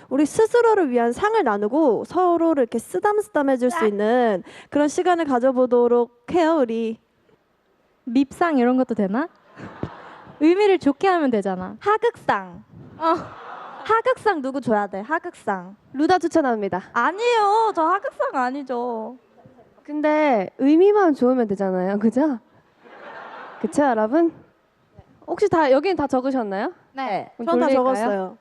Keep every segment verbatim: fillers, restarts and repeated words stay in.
우리 스스로를 위한 상을 나누고 서로를 이렇게 쓰담쓰담해줄 수 있는 그런 시간을 가져보도록 해요, 우리. 밉상 이런 것도 되나? 의미를 좋게 하면 되잖아. 하극상. 어. 하극상 누구 줘야 돼? 하극상. 루다 추천합니다. 아니에요. 저 하극상 아니죠. 근데 의미만 좋으면 되잖아요, 그죠? 그쵸, 여러분? 혹시 다 여기는 다 적으셨나요? 네. 그럼 전 다 돌릴까요? 적었어요.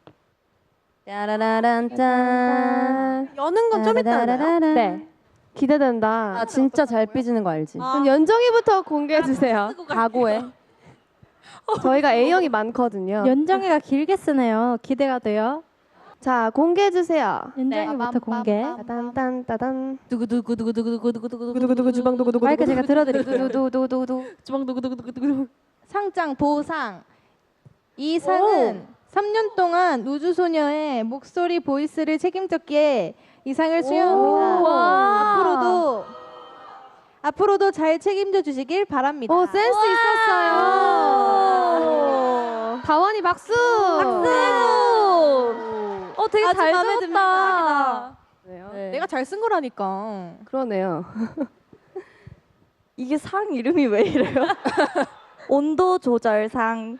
짜라라란짠. 여는 건 좀 이따 하나요? 네. 기대된다. 나 진짜 잘 삐지는 거 알지? 그럼 연정이부터 공개해 주세요. 각오해. 저희가 A형이 많거든요. 연정이가 길게 쓰네요. 기대가 돼요. 자, 공개해 주세요. 연정이부터 공개. 따단 따단. 두구두구두구두구두구두구두구. 두구두구 주방 두구두구. 마이크 제가 들어드릴게요. 두두두두두. 주방 두구두구두구두구. 상장 보상. 이 상은 삼 년 동안 우주소녀의 목소리 보이스를 책임졌기에 이 상을 수여합니다. 앞으로도 앞으로도 잘 책임져 주시길 바랍니다. 오, 센스 있었어요. 다원이 박수. 어, 되게 아주 잘 마음에 적었다. 네. 내가 잘 쓴 거라니까. 그러네요. 이게 상 이름이 왜 이래요? 온도 조절상.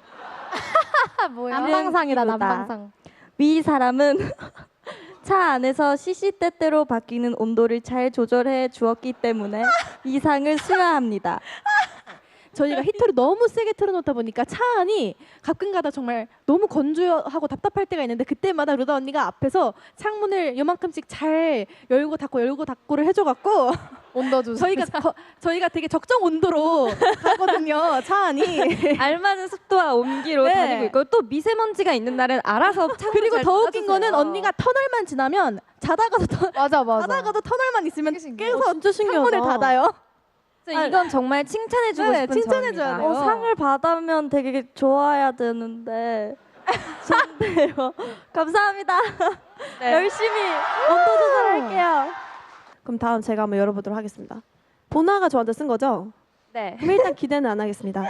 남방상이다, 기부다. 남방상. 위 사람은 차 안에서 시시때때로 바뀌는 온도를 잘 조절해 주었기 때문에 이 상을 수여합니다. 저희가 히터를 너무 세게 틀어놓다 보니까 차 안이 가끔가다 정말 너무 건조하고 답답할 때가 있는데 그때마다 루다 언니가 앞에서 창문을 요만큼씩 잘 열고 닫고 열고 닫고를 해줘갖고 온도 조절. 저희가 거, 저희가 되게 적정 온도로 가거든요. 차 안이. 알맞은 습도와 온기로 네. 다니고 있고 또 미세먼지가 있는 날은 알아서 창문 그리고 잘 더 웃긴 닫아주세요. 거는 언니가 터널만 지나면 자다가도 터, 맞아 맞아. 자다가도 터널만 있으면 깨서 진짜 신기하다. 창문을 닫아요. 그래서 이건 정말 칭찬해주고 네, 싶은 칭찬해줘야 점입니다. 돼요. 어, 상을 받으면 되게 좋아야 되는데 좋네요. 감사합니다. 열심히 온도 조절할게요. 그럼 다음 제가 한번 열어보도록 하겠습니다. 보나가 저한테 쓴 거죠? 네. 그럼 일단 기대는 안 하겠습니다.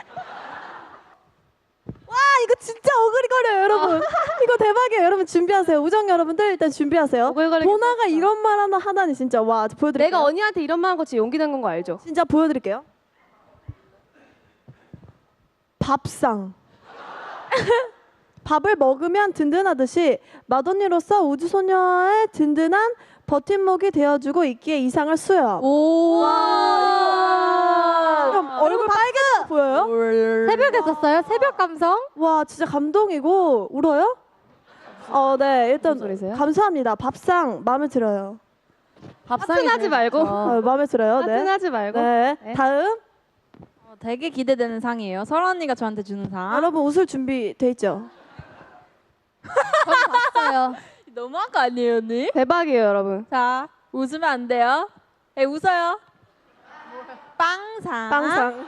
와 이거 진짜 어그리거려요 여러분. 이거 대박이에요 여러분. 준비하세요. 우정 여러분들 일단 준비하세요. 오글거리게 보나가 이런 말 하나 하다니 진짜 와 보여드릴게요. 내가 언니한테 이런 말 한 거 진짜 용기 낸 건 거 알죠? 진짜 보여드릴게요. 밥상. 밥을 먹으면 든든하듯이 맏언니로서 우주소녀의 든든한 버팀목이 되어주고 있기에 이 상을 수여. 오. 그럼 얼굴 빨개져 보여요? 새벽에 썼어요? 새벽 감성? 와 진짜 감동이고 울어요? 어, 네 일단 무슨 소리세요? 감사합니다. 밥상 마음에 들어요. 하트하지 말고. 어, 마음에 들어요. 네. 하트하지 말고. 네. 다음 어, 되게 기대되는 상이에요. 설아 언니가 저한테 주는 상. 여러분 웃을 준비 돼 있죠? 봤어요. 너무한 거 아니에요, 언니? 대박이에요, 여러분. 자, 웃으면 안 돼요. 에 웃어요. 빵상. 빵상.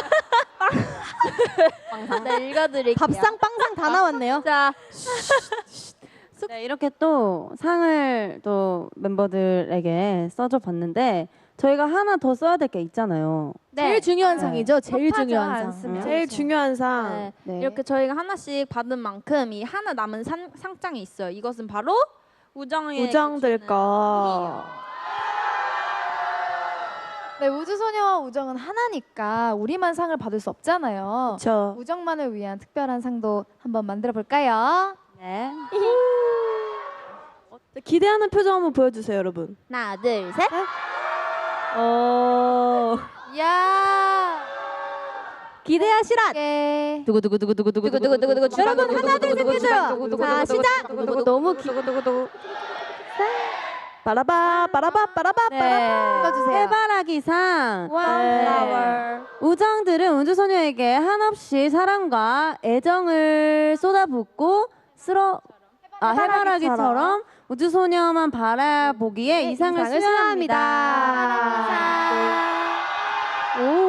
빵상. 네, 읽어드릴게요. 밥상 빵상 다 나왔네요. 자, 네, 이렇게 또 상을 또 멤버들에게 써줘 봤는데 저희가 하나 더 써야 될 게 있잖아요. 제일 중요한 네. 상이죠. 제일 급하지 중요한 상. 않습니다. 제일 중요한 상. 네. 네. 이렇게 저희가 하나씩 받은 만큼 이 하나 남은 상, 상장이 있어요. 이것은 바로 우정의 우정들 거. 네, 우주소녀와 우정은 하나니까 우리만 상을 받을 수 없잖아요. 저 우정만을 위한 특별한 상도 한번 만들어 볼까요? 네. 기대하는 표정 한번 보여주세요, 여러분. 하나, 둘, 셋. 어. 야! 기대하시라. 네. 두구두구두구두구두구두구두구. 여러분 하나, 둘, 셋 해줘요. 자, 시작. 너무 기... 빠라바 빠라바 빠라바 네. 빠라바. 읽어주세요. 해바라기상. 네. 우정들은 우주소녀에게 한없이 사랑과 애정을 쏟아붓고 쓸어 아, 해바라기처럼 우주소녀만 바라보기에 이 상을 수여합니다. 오.